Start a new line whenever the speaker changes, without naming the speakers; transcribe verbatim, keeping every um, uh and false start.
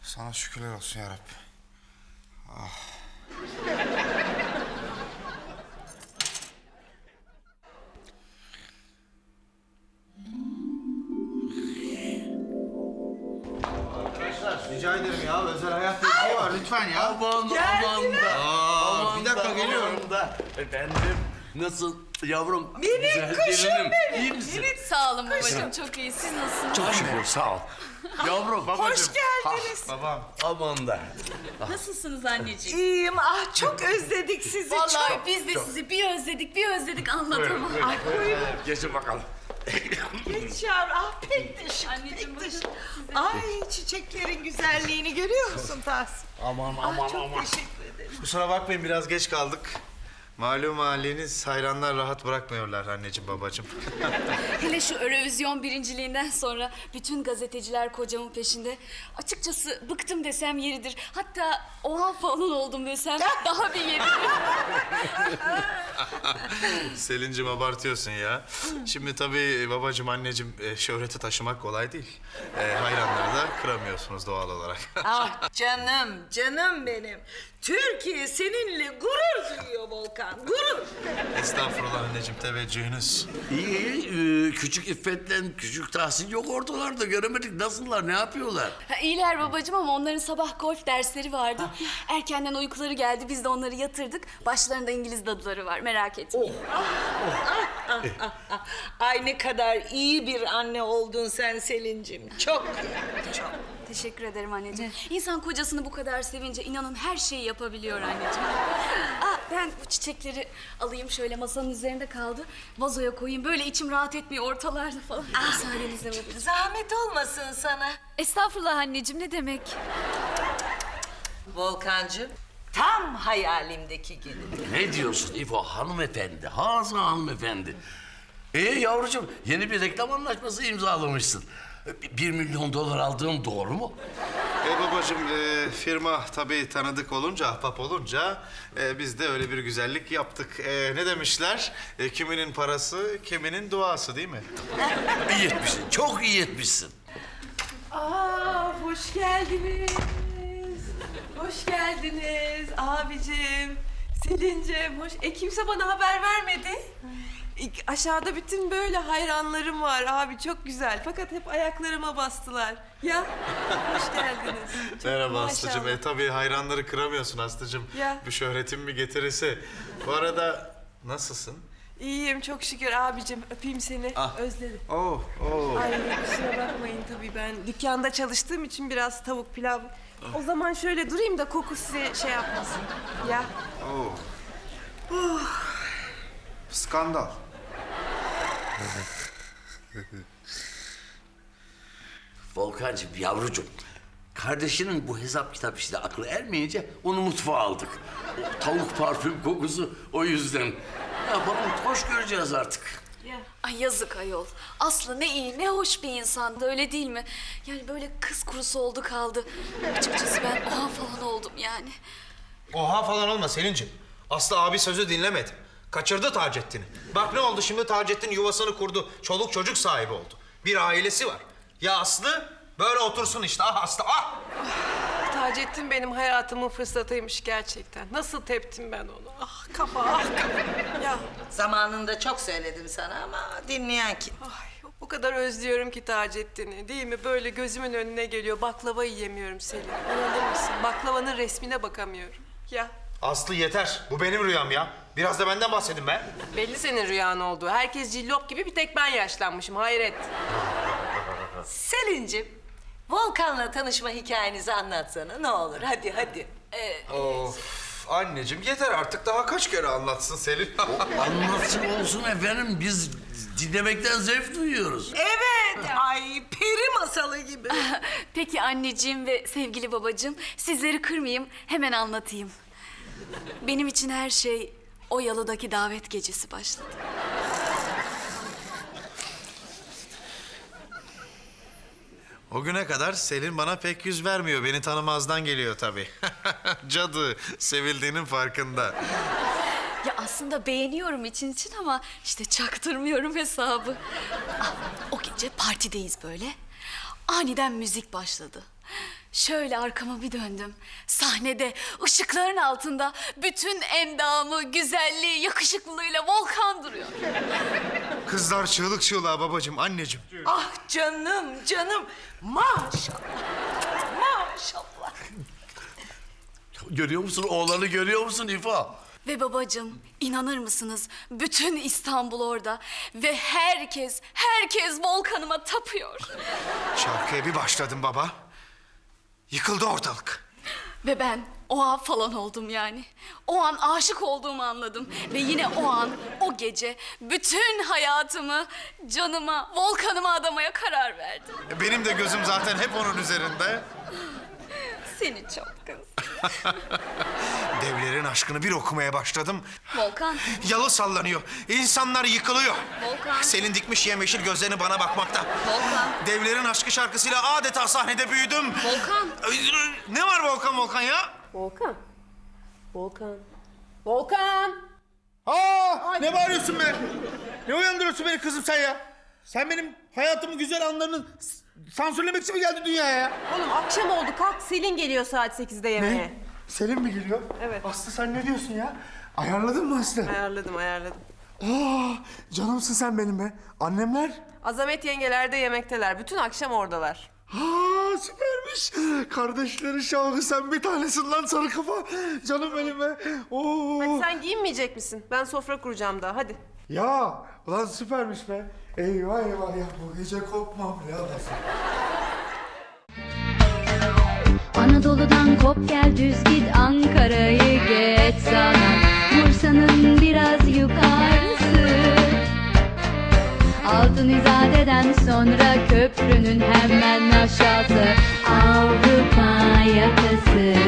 Sana şükürler olsun ya Rabbi. Ah. Arkadaşlar rica ederim ya, özel hayatta bir şey var lütfen ya.
Aman aman da.
Aa,
Aman
bir dakika
da,
geliyorum.
aman da. Efendim nasıl yavrum?
Minik
Güzel
kuşum
gelinim.
benim.
İyi misin?
Sağ olun babacığım, çok iyi. Siz nasılsınız?
Çok şükür sağ ol. Yavrum.
Hoş geldiniz.
Babam.
Aman da.
Nasılsınız anneciğim?
İyiyim. Ah çok özledik sizi
Vallahi
çok.
biz de sizi bir özledik, bir özledik anlatamam.
Ay buyurun.
Geçin bakalım.
Geç yavrum. Ah pek de şık,
Anneciğim,
pek de şık.
bakın
Ay çiçeklerin güzelliğini görüyor musun Tahsin?
Aman
Ah
aman
çok
aman.
teşekkür ederim.
Kusura bakmayın biraz geç kaldık. Malum haliniz hayranlar rahat bırakmıyorlar anneciğim babacığım.
Hele şu Eurovision birinciliğinden sonra bütün gazeteciler kocamın peşinde. Açıkçası bıktım desem yeridir. Hatta oha falan oldum desem daha bir yeridir.
Selin'cim abartıyorsun ya. Şimdi tabii babacığım anneciğim e, şöhreti taşımak kolay değil. E, hayranları da kıramıyorsunuz doğal olarak.
Ah canım, canım benim. Türkiye seninle gurur duyuyor Volkan, gurur.
Estağfurullah anneciğim teveccühünüz.
İyi iyi. Ee, küçük İffet'le küçük Tahsin yok ortalarda. Göremedik. Nasıllar? Ne yapıyorlar?
Ha, iyiler babacığım ama onların sabah golf dersleri vardı. Erkenden uykuları geldi, biz de onları yatırdık. Başlarında İngiliz dadıları var, merak etmeyin.
Ay ne kadar iyi bir anne oldun sen Selin'cim. Çok, çok.
Teşekkür ederim anneciğim. İnsan kocasını bu kadar sevince inanın her şeyi yapabiliyor anneciğim. Aa, ben bu çiçekleri alayım şöyle masanın üzerinde kaldı. Vazoya koyayım. Böyle içim rahat etmiyor ortalarda falan. Müsaadenizle babacığım.
Zahmet olmasın sana.
Estağfurullah anneciğim, ne demek?
Volkancığım, tam hayalimdeki gelin.
Ne diyorsun İfo hanımefendi? Hazır hanımefendi. Ee yavrucuğum yeni bir reklam anlaşması imzalamışsın. Bir milyon dolar aldığım doğru mu?
E babacığım e, firma tabii tanıdık olunca, ahbap olunca e, biz de öyle bir güzellik yaptık. E, ne demişler? E, kiminin parası, kiminin duası değil mi?
İyi etmişsin. Çok iyi etmişsin.
Aa, hoş geldiniz. Hoş geldiniz abicim, Selin'cim. Hoş. E kimse bana haber vermedi. İlk- Aşağıda bütün böyle hayranlarım var abi, çok güzel. Fakat hep ayaklarıma bastılar. Ya, hoş geldiniz. Çok
Merhaba
maşallah.
Aslı'cığım. E, tabii hayranları kıramıyorsun Aslı'cığım.
Ya.
Bu şöhretin mi getirisi? Bu arada nasılsın?
İyiyim çok şükür abicim. Öpeyim seni.
Ah.
Özledim.
Oh, oh.
Ay kusura bakmayın tabii, ben dükkanda çalıştığım için biraz tavuk pilav. O zaman şöyle durayım da koku size şey yapmasın. Ya.
Oh. Skandal.
Volkancığım yavrucuğum. Kardeşinin bu hesap kitap işine aklı ermeyince onu mutfağa aldık. O tavuk parfüm kokusu o yüzden. Ne yapalım hoş göreceğiz artık.
Ay yazık ayol. Aslı ne iyi, ne hoş bir insandı, öyle değil mi? Yani böyle kız kurusu oldu kaldı. Açıkçası ben oha falan oldum yani.
Oha falan olma Selin'cim. Aslı abi sözü dinlemedi. Kaçırdı Taceddin'i. Bak ne oldu şimdi, Taceddin yuvasını kurdu. Çoluk çocuk sahibi oldu. Bir ailesi var. Ya Aslı böyle otursun işte. Ah Aslı ah!
Taceddin benim hayatımın fırsatıymış gerçekten. Nasıl teptim ben onu? Ah kafa, ah kafa. Ya
Zamanında çok söyledim sana ama dinleyen kim?
ay, o kadar özlüyorum ki Taceddin'i. Değil mi? Böyle gözümün önüne geliyor. Baklava yiyemiyorum Selin. İnanır mısın? Baklavanın resmine bakamıyorum. Ya
Aslı yeter. Bu benim rüyam ya. Biraz da benden bahsedin be.
belli senin rüyan olduğu. Herkes cillop gibi, bir tek ben yaşlanmışım. Hayret.
Selin'cim, Volkan'la tanışma hikayenizi anlatsana ne olur. Hadi hadi.
Of anneciğim yeter artık, daha kaç kere anlatsın Selin?
Anlatsın olsun efendim biz dinlemekten zevk duyuyoruz.
Evet, ay peri masalı gibi.
Peki anneciğim ve sevgili babacığım, sizleri kırmayayım, hemen anlatayım. Benim için her şey o yalıdaki davet gecesi başladı.
O güne kadar Selin bana pek yüz vermiyor. Beni tanımazdan geliyor tabii. Cadı, sevildiğinin farkında.
Ya aslında beğeniyorum için için ama işte çaktırmıyorum hesabı. Ah, o gece partideyiz böyle. Aniden müzik başladı. Şöyle arkama bir döndüm. Sahnede ışıkların altında bütün endamı, güzelliği, yakışıklılığıyla Volkan duruyor.
Kızlar çığlık çığlığa babacığım, anneciğim.
Ah canım canım. Maşallah. Maşallah.
Görüyor musun? Oğlanı görüyor musun İfa?
Ve babacığım, inanır mısınız? Bütün İstanbul orada. Ve herkes, herkes Volkan'ıma tapıyor.
Şarkıya bir başladım baba. Yıkıldı ortalık.
Ve ben o an falan oldum yani. O an aşık olduğumu anladım. Ve yine o an, o gece bütün hayatımı canıma, Volkan'ıma adamaya karar verdim.
Benim de gözüm zaten hep onun üzerinde.
Seni çok kız.
Devlerin aşkını bir okumaya başladım.
Volkan,
Yalı sallanıyor. İnsanlar yıkılıyor.
Volkan.
Selin dikmiş yemyeşil gözlerini bana bakmakta.
Volkan.
Devlerin aşkı şarkısıyla adeta sahnede büyüdüm.
Volkan.
Ne var Volkan Volkan ya?
Volkan. Volkan. Volkan.
Aa, ne bağırıyorsun be? Ne uyandırıyorsun beni kızım sen ya? Sen benim hayatımın güzel anlarını s- sansürlemek için mi geldin dünyaya ya?
Oğlum akşam oldu. Kalk, Selin geliyor saat sekizde yemeğe.
Selim mi geliyor?
Evet.
Aslı sen ne diyorsun ya? Ayarladın mı Aslı?
Ayarladım, ayarladım.
Aa, canımsın sen benim be. Annemler?
Azamet yengeler de yemekteler. Bütün akşam oradalar.
Aa, süpermiş. Kardeşlerin şahı sen bir tanesin lan sarı kafa. Canım benim be. Oo.
Hadi sen giyinmeyecek misin? Ben sofra kuracağım daha. Hadi.
Ya ulan süpermiş be. Eyvah eyvah ya bu gece kopmam ya.
Anadolu'dan kop gel düz git Ankara'yı geç sana Bursa'nın biraz yukarısı Altın İzade'den sonra köprünün hemen aşağısı Avrupa yakası